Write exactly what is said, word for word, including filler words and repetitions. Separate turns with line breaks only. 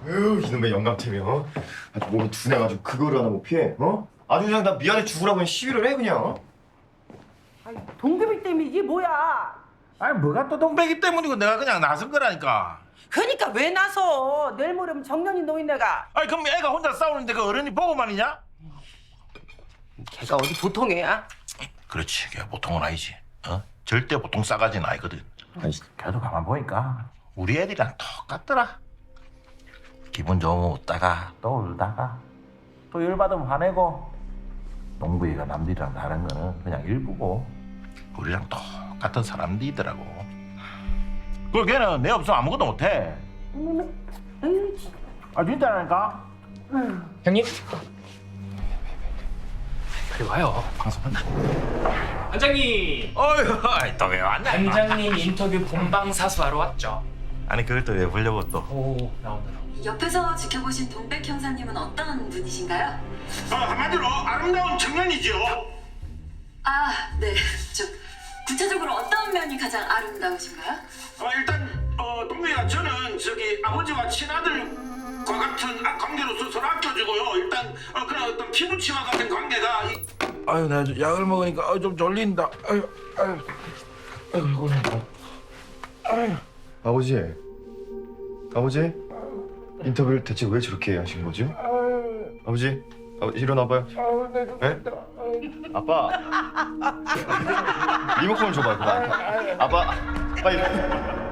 에휴 이놈의 영감템이 어? 아주 몸이 둔해가지고 그거를 하나 못 피해 어? 아주 그냥 나 미안해 죽으라고 그냥 시위를 해 그냥 어?
아니, 동급이 때문에 이게 뭐야?
아니 뭐가 또 동백이 때문이고 내가 그냥 나선 거라니까.
그러니까 왜 나서? 내일 모레면 정년이 노인네가.
아니 그럼 애가 혼자 싸우는데 그 어른이 보고만이냐?
걔가 어디 보통 애야?
그렇지, 걔 보통은 아니지. 어? 절대 보통 싸가지는 아니거든. 아니, 걔도 가만 보니까 우리 애들이랑 똑같더라. 기분 좋으면 웃다가 또 울다가 또 열받으면 화내고. 동구이가 남들이랑 다른 거는 그냥 일부고 우리랑 똑같은 사람들이더라고. 그 걔는 내 없으면 아무것도 못해. 아 진짜라니까?
형님? 빨리 와요.
방송한다.
반장님!
어휴, 또 왜 왔냐?
반장님 인터뷰 본방사수하러 왔죠.
아니 그걸 또 왜 보려고 또?
오, 나온다.
옆에서 지켜보신 동백 형사님은 어떤 분이신가요?
어, 한마디로 아름다운 청년이죠.
아, 네. 저 구체적으로 어떤 면이 가장 아름다우신가요?
어, 일단 어, 동구이가 저는 저기 아버지와 친아들과 같은 아, 관계로서 서로 아껴주고요. 일단 어, 그런 어떤 피부치와 같은 관계가. 이... 아유, 나 약을 먹으니까 어, 좀 졸린다. 아유, 아유, 아유, 이거 아유.
아버지 아버지 인터뷰를 대체 왜 저렇게 하신 거죠? 아버지 아버지 일어나봐요 네? 아빠 리모컨 줘봐요 그만 아빠 빨리